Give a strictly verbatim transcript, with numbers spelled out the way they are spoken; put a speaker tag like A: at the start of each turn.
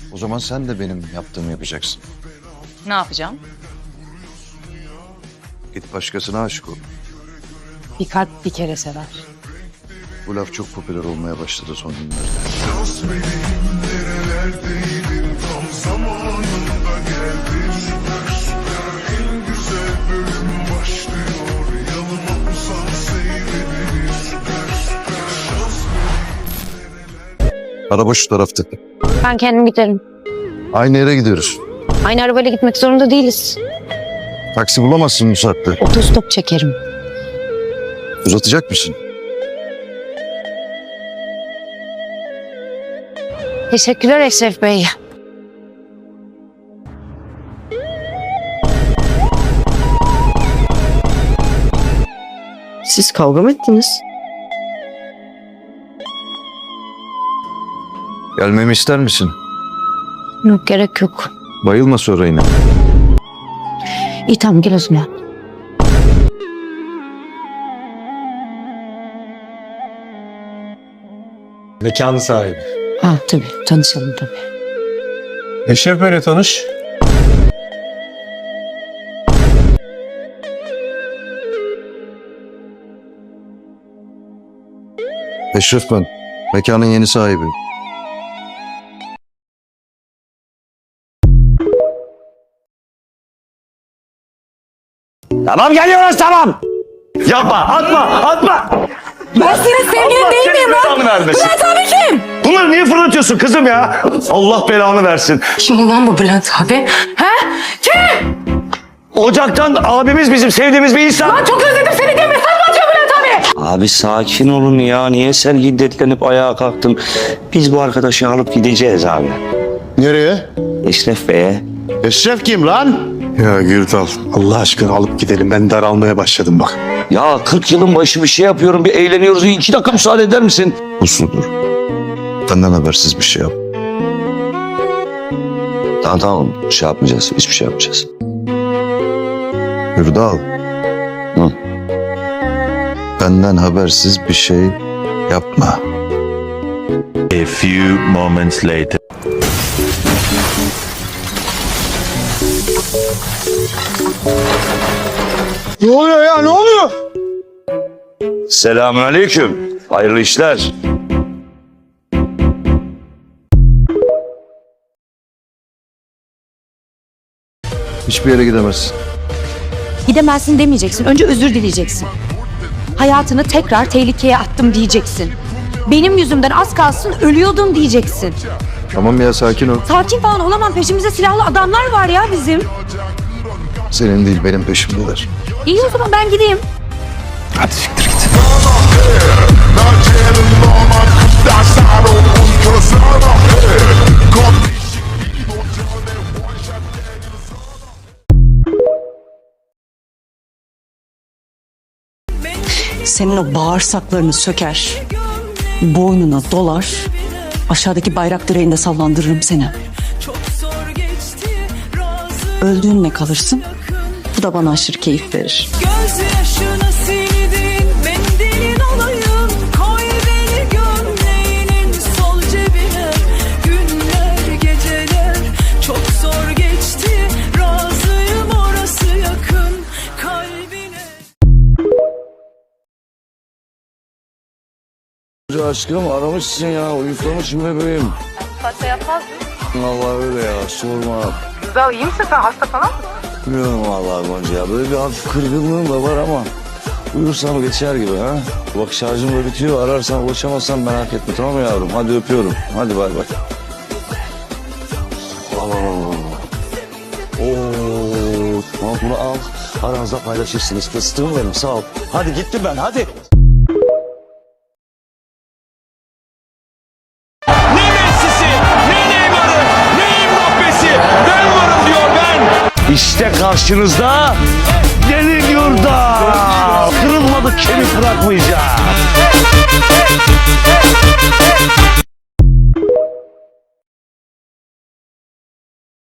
A: O zaman sen de benim yaptığımı yapacaksın.
B: Ne yapacağım?
A: Git başkasına aşık ol.
B: Bir kalp bir kere sever.
A: Bu laf çok popüler olmaya başladı son günlerde. Araba şu tarafta.
C: Ben kendim giderim.
A: Aynı yere gidiyoruz.
C: Aynı arabayla gitmek zorunda değiliz.
A: Taksi bulamazsın bu saatte.
C: Otostop çekerim.
A: Uzatacak mısın?
C: Teşekkürler Eşref Bey.
D: Siz kavga mı ettiniz?
A: Gelmemi ister misin?
C: Yok, gerek yok.
A: Bayılma sonra yine.
C: İyi tamam, gel o zaman.
E: Mekanın sahibi.
C: Ha tabii, tanışalım tabii.
E: Eşref Bey'le tanış.
A: Eşref ben. Mekanın yeni sahibi.
F: Tamam geliyoruz tamam. Yapma atma atma.
B: Ben senin sevgilin değil miyim lan?
F: Bülent abi kim? Bunları niye fırlatıyorsun kızım ya? Allah belanı versin.
B: Kim ulan bu Bülent abi? He? Kim?
F: Ocaktan abimiz bizim sevdiğimiz bir insan.
B: Lan çok özledim seni diye mesaj mı atıyor Bülent abi?
F: Abi sakin olun ya. Niye sen hiddetlenip ayağa kalktın? Biz bu arkadaşı alıp gideceğiz abi.
G: Nereye?
F: Eşref Bey'e.
G: Eşref kim lan?
E: Ya Gürdal Allah aşkına alıp gidelim. Ben daralmaya başladım bak.
F: Ya kırk yılın başı bir şey yapıyorum. Bir eğleniyoruz. İki dakika müsaade eder misin?
A: Usludur. Benden habersiz bir şey yap.
F: Tamam tamam. Şey yapmayacağız. Hiçbir şey yapmayacağız.
A: Hürdal.
F: Hı.
A: Benden habersiz bir şey yapma.
H: A few moments later.
G: Ne oluyor ya ne oluyor?
F: Selamünaleyküm. Hayırlı işler.
A: Hiçbir yere gidemezsin.
I: Gidemezsin demeyeceksin. Önce özür dileyeceksin. Hayatını tekrar tehlikeye attım diyeceksin. Benim yüzümden az kalsın ölüyordun diyeceksin.
A: Tamam ya sakin ol.
I: Sakin falan olamam. Peşimizde silahlı adamlar var ya bizim.
A: Senin değil benim peşimdeler.
I: İyi o zaman ben gideyim.
A: Hadi siktir git.
D: Senin o bağırsaklarını söker, boynuna dolar, aşağıdaki bayrak direğinde sallandırırım seni. Öldüğünle kalırsın, bu da bana aşırı keyif verir.
J: Gözyaşına sildin mendilin olayım. Koy beni gömleğinin sol cebine. Günler geceler çok zor geçti. Razıyım orası yakın kalbine.
F: Aşkım aramışsın ya. Uyuklamışım bebeğim.
B: Pasta yapmaz mı?
F: Allah öyle ya. Sorma.
B: Güzel, iyi misin sen? Hasta falan mısın?
F: Bilmiyorum vallahi Gonca ya. Böyle bir hafif kırgınlığım da var ama uyursam geçer gibi ha. Bak şarjım da bitiyor. Ararsan ulaşamazsan merak etme tamam mı yavrum? Hadi öpüyorum. Hadi bay bay. Al al al. Oo, tamam bunu al. Aranızda paylaşırsınız. Fıstığım benim sağ ol. Hadi gittim ben hadi. Ne Messi'si, ne Neymar'ı, ne Mbappe'si. Ben varım diyor ben. İşte karşınızda Deli Gürdal. Kırılmadık kemik bırakmayacağım.